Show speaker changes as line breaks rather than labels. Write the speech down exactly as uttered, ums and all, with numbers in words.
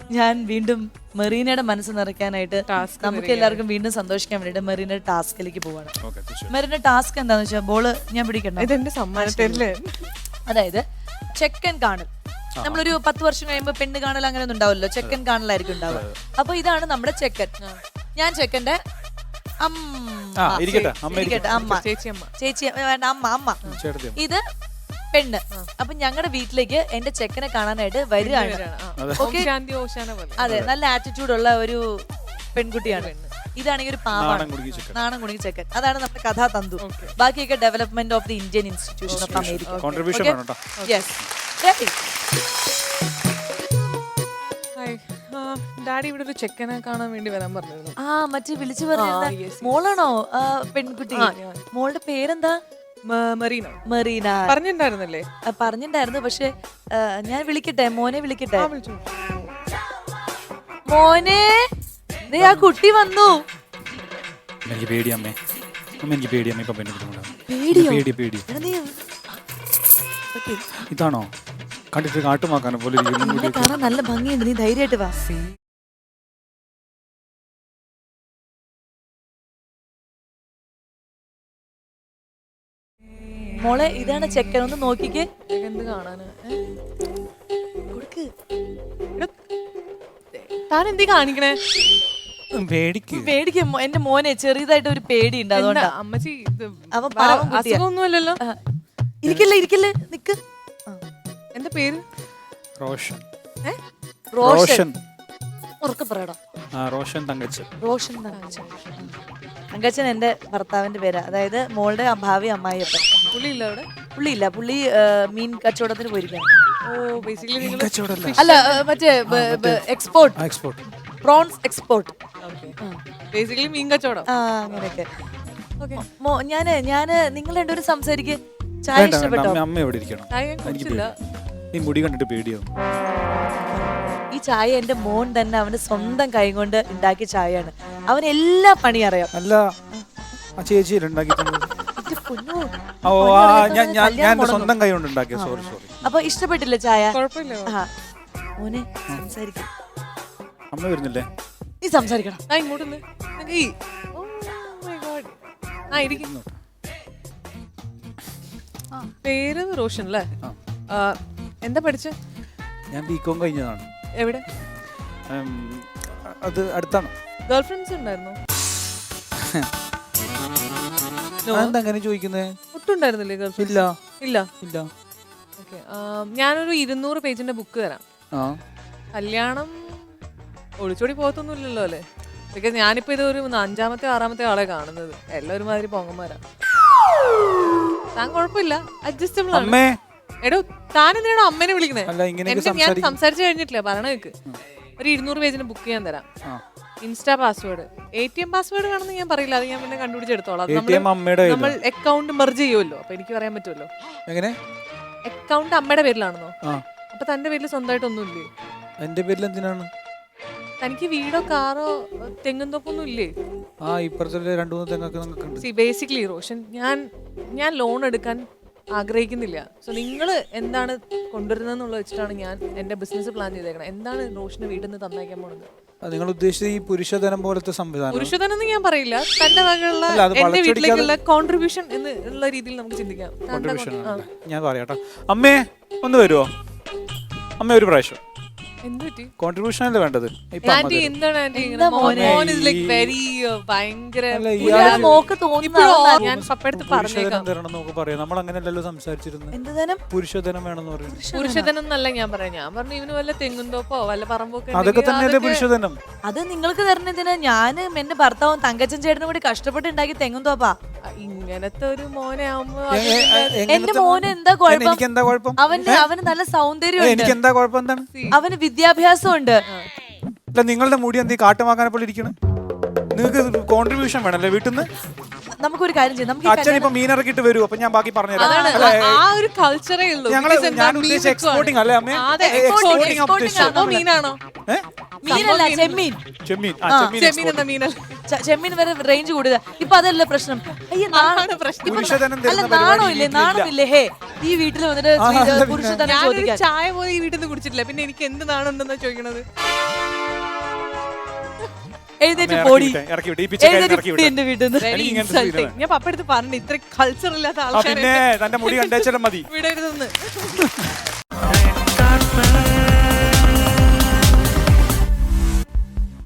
ഞാൻ വീണ്ടും മെറീനയുടെ മനസ്സ് നിറയ്ക്കാനായിട്ട് നമുക്ക് എല്ലാവർക്കും വീണ്ടും സന്തോഷിക്കാൻ വേണ്ടിട്ട് മെറീനയുടെ ടാസ്കിലേക്ക് പോവാണ്. മെറീനയുടെ ടാസ്ക് എന്താന്ന് വെച്ചാൽ ബോള് ഞാൻ പിടിക്കണം.
ഇതെന്റെ സമ്മാനത്തില്
അതായത് ചെക്കൻ കാണൽ. നമ്മളൊരു പത്ത് വർഷം കഴിയുമ്പോ പെണ്ണ് കാണൽ അങ്ങനെ ഒന്നും ഉണ്ടാവില്ലല്ലോ, ചെക്കൻ കാണലായിരിക്കും ഉണ്ടാവുക. അപ്പൊ ഇതാണ് നമ്മുടെ ചെക്കൻ. ഞാൻ ചെക്കന്റെ അമ്മ അമ്മ ചേച്ചി വേണ്ട അമ്മ അമ്മ ഇത് പെണ്ണ്. അപ്പൊ ഞങ്ങളുടെ വീട്ടിലേക്ക് എന്റെ ചെക്കനെ കാണാനായിട്ട് വരികയാണ്. അതെ, നല്ല ആറ്റിറ്റ്യൂഡ് ഉള്ള ഒരു പെൺകുട്ടിയാണ്. ഇതാണെങ്കിൽ ഒരു പാവാണ്, നാണം കുണുങ്ങി ചെക്കൻ. അതാണ് നമ്മുടെ കഥാ തന്തു. ബാക്കിയൊക്കെ development of the Indian institution of America.
Daddy ഇവിടെ ഒരു ചെക്കനെ കാണാൻ വേണ്ടി വരാൻ പറഞ്ഞിരുന്നു.
ആ മറ്റേ വിളിച്ചു പറഞ്ഞ മോളാണോ പെൺകുട്ടി? മോളുടെ പേരെന്താ?
മെറീന.
മെറീന
പറഞ്ഞിട്ടുണ്ടായിരുന്നല്ലേ?
പറഞ്ഞിട്ടുണ്ടായിരുന്നു. പക്ഷെ ഞാൻ വിളിക്കട്ടെ, മോനെ വിളിക്കട്ടെ. മോനെ, ദേ ആ കുട്ടി വന്നു.
എനിക്ക് പേടി അമ്മേ, എനിക്ക് പേടി അമ്മേ. ഇപ്പൊ
പേടി
പേടി ഇതാണോ കണ്ടിട്ട് കാട്ടുമാക്കാനെ പോലെ
കാണാൻ നല്ല ഭംഗിയുണ്ട്. നീ ധൈര്യമായിട്ട് വാ. മോളെ ഇതാണ് ചെക്കൻ, ഒന്ന് നോക്കിക്കേ.
എന്ത് കാണാന്?
കൊടുക്ക്.
താൻ എന്തി കാണിക്കണേ?
പേടിക്കും. എന്റെ മോനെ ചെറിയതായിട്ട് ഒരു പേടി ഉണ്ട്, അതുകൊണ്ടാ.
അമ്മച്ചി
അവൻ പാവം കുട്ടിയാ.
അസുഖമൊന്നുമല്ലല്ലോ.
ഇരിക്കല്ലേ ഇരിക്കല്ലേ നിക്ക്.
എന്താ പേര്?
റോഷൻ.
റോഷൻ. ഉറക്കെ പറയടാ.
റോഷൻ തങ്കച്ചൻ.
റോഷൻ തങ്കച്ചൻ. തങ്കച്ചൻ എന്റെ ഭർത്താവിന്റെ പേരാ. അതായത് മോളുടെ ഭാവി അമ്മായിയപ്പൻ.
പുള്ളിയില്ല അവിടെ?
പുള്ളിയില്ല, പുള്ളി മീൻ കച്ചവടത്തിന് പോയിരിക്കാണ്.
ഓ, ബേസിക്കലി
അല്ല മറ്റേ export,
export
prawns export.
Basically മീൻ കച്ചവടം.
ആ അങ്ങനെയൊക്കെ. ഞാന് ഞാന് നിങ്ങൾ രണ്ടുപേരും സംസാരിക്ക്. ചായ ഇഷ്ടപ്പെട്ടോ?
അമ്മ എവിടെ ഇരിക്കണം? ഈ മുടി കണ്ടിട്ട് പേടിയാവും.
ഈ ചായ എന്റെ മോൻ തന്നെ അവന്റെ സ്വന്തം കൈ കൊണ്ട് ഉണ്ടാക്കിയ ചായയാണ്. അവൻ എല്ലാ പണി അറിയാം.
അല്ല ആ ചേച്ചി സ്വന്തം കൈ കൊണ്ട് ഉണ്ടാക്കിയ. Sorry sorry.
അപ്പൊ ഇഷ്ടപ്പെട്ടില്ല ചായ?
കുഴപ്പമില്ല.
മോനെ സംസാരിക്കും.
അമ്മ വരുന്നില്ലേ?
നീ സംസാരിക്കണം.
ഇങ്ങോട്ട് പേര് റോഷൻ അല്ലേ? എന്താ പഠിച്ച?
ഞാൻ ബികോം കഴിഞ്ഞതാണ്.
എവിടെ?
അത് അടുത്താണ്.
ഗേൾ ഫ്രണ്ട്സ് ഉണ്ടായിരുന്നോ?
അങ്ങനെ ചോദിക്കുന്നേ?
ഒട്ടുണ്ടായിരുന്നില്ലേ ഗേൾ ഫ്രണ്ട്സ്?
ഇല്ല
ഇല്ല
ഇല്ല.
ഓക്കെ, ഞാനൊരു ഇരുന്നൂറ് പേജിന്റെ ബുക്ക് തരാം. കല്യാണം ഒളിച്ചോടി പോകത്തൊന്നുമില്ലല്ലോ അല്ലേ? ബിക്കോസ് ഞാനിപ്പോ ഇത് ഒരു അഞ്ചാമത്തെ ആറാമത്തെ ആളെ കാണുന്നത്. എല്ലാവരും മാതിരി പൊങ്ങന്മാരാ. താൻ കുഴപ്പമില്ല, അഡ്ജസ്റ്റബിൾ ആണ്. എടോ താൻ എന്തിനാണോ അമ്മേനെ വിളിക്കുന്നേ? ഞാൻ സംസാരിച്ചു കഴിഞ്ഞിട്ടില്ല, പറയണ കേക്ക്. ഒരു ഇരുന്നൂറ് പേജിന് ബുക്ക് ചെയ്യാൻ തരാം. Insta password, A T M password വേണമെന്ന് ഞാൻ പറയില്ല, അത് ഞാൻ പിന്നെ കണ്ടുപിടിച്ചെടുത്തോളാം. നമ്മൾ അക്കൗണ്ട് മെർജ് ചെയ്യുമല്ലോ, അപ്പൊ എനിക്ക് പറയാൻ പറ്റുമല്ലോ.
എങ്ങനെ
അക്കൗണ്ട് അമ്മയുടെ പേരിലാണെന്നോ? അപ്പൊ തന്റെ പേരിൽ സ്വന്തമായിട്ടൊന്നുമില്ലേ?
എന്റെ പേരിൽ എന്തിനാണ്?
തനിക്ക് വീടോ കാറോ തെങ്ങും തോപ്പൊന്നും ഇല്ലേ? ബേസിക്കലി റോഷൻ, ഞാൻ ഞാൻ ലോൺ എടുക്കാൻ ആഗ്രഹിക്കുന്നില്ല. സോ നിങ്ങൾ എന്താണ് കൊണ്ടുവരുന്നതെന്നുള്ള വെച്ചിട്ടാണ് ഞാൻ എന്റെ ബിസിനസ് പ്ലാൻ ചെയ്തേക്കണം. എന്താണ് റോഷന് വീട്ടിൽ നിന്ന് തന്നേക്കാൻ പോണത്?
നിങ്ങൾ ഉദ്ദേശിച്ചത് ഈ പുരുഷധനം പോലത്തെ സംവിധാനം?
പുരുഷധനം എന്ന് ഞാൻ പറയില്ല, തന്റെ വകയുള്ള എന്റെ വീട്ടിലേക്കുള്ള കോൺട്രിബ്യൂഷൻ എന്നുള്ള രീതിയിൽ നമുക്ക് ചിന്തിക്കാം.
ഞാൻ പറയാട്ടോ. അമ്മേ ഒന്ന് വരുമോ? അമ്മ ഒരു പ്രാവശ്യം. കോൺട്രിബ്യൂഷൻ അല്ലേ വേണ്ടത്? നമ്മളങ്ങനെയല്ലല്ലോ സംസാരിച്ചിരുന്നത്. പുരുഷധനം വേണമെന്ന് പറഞ്ഞു.
പുരുഷധനം എന്നല്ല ഞാൻ പറയാം. ഞാൻ പറഞ്ഞു ഇവന് വല്ല തെങ്ങുന്തോപ്പോ വല്ല പറമ്പൊക്കെ.
അതൊക്കെ തന്നെയല്ലേ പുരുഷധനം?
അത് നിങ്ങൾക്ക് തരണതിന് ഞാനും എന്റെ ഭർത്താവും തങ്കച്ചൻ ചേട്ടനും കൂടി കഷ്ടപ്പെട്ട് ഉണ്ടാക്കി തെങ്ങുന്തോപ്പാ.
ഇങ്ങനത്തെ ഒരു മോനെ ആവുമ്പോ
എന്റെ മോന് എന്താ കുഴപ്പം? അവന് അവന് നല്ല സൗന്ദര്യം,
എനിക്ക് എന്താ കുഴപ്പം? എന്താണ്?
അവന് വിദ്യാഭ്യാസം ഉണ്ട്.
നിങ്ങളുടെ മുടി എന്ത് കാട്ടുമാക്കാനെ പോലെ ഇരിക്കണം? നിങ്ങൾക്ക് കോൺട്രിബ്യൂഷൻ വേണല്ലേ വീട്ടിൽ നിന്ന്?
നമുക്കൊരു കാര്യം ചെയ്യാം. നമുക്ക്
അച്ഛൻ ഇപ്പൊ മീൻ ഇറക്കിട്ട് വരൂ, അപ്പൊ ഞാൻ ബാക്കി പറഞ്ഞുതരാം.
കൾച്ചറേ ഉള്ളൂ.
ഞാൻ ഉദ്ദേശിച്ച എക്സ്പോർട്ടിംഗ് അല്ലേ അമ്മേ?
മീനാണോ?
മീനല്ല ചെമ്മീൻ.
ചെമ്മീൻ ആ,
ആ,
ചെമ്മീൻ
ചെമ്മീൻ
export.
എന്ന മീനല്ല.
ച- ചെമ്മീൻ വരെ റേഞ്ച് കൂടുതൽ. ഇപ്പൊ അതല്ല പ്രശ്നം. അയ്യ, നാ-
അതാണ് പ്രശ്നം.
ഇപ്പൊ
പുരുഷധനം
അല്ല
തരുന്ന പരിപാടി
നാണോ ഇല്ലേ?
ഈ വീട്ടിലില്ല.
നാണമില്ലേ? ഹേ, ഈ വീട്ടിൽ വന്നിട്ട്
ആ,
സ്ത്രീ-
അല്ല പിന്നെ.
പുരുഷധനം
ഞാനൊരു
ചോദിക്കാൻ.
ചായ പോലും ഈ വീട്ടിൽ നിന്ന് കുടിച്ചിട്ടില്ല, പിന്നെ എനിക്ക് എന്ത് നാണുണ്ടെന്നാ ചോദിക്കണത്?
എഴുന്നേറ്റ്
അമ്മേ,
പോടി.
ഇറക്കി വിട്ടെ, ഇറക്കി വിട്ടെ. ഈ പിച്ചക്കാരനെ
എഴുന്നേറ്റ്
ഇറക്കി
പോടി
വിട്ടെ.
എന്റെ വീട്ടിൽ നിന്ന്.
Very
എനിക്ക് ഇങ്ങനത്തെ
insulting.
scene
ഞാൻ പപ്പ എടുത്ത് പറഞ്ഞു ഇത്ര കൾച്ചർ ഇല്ലാത്ത
ആ
ആൾക്കാരെ
പിന്നെ തന്റെ മുടി കണ്ടേച്ചാലും മതി.
വിടരുതെന്ന്.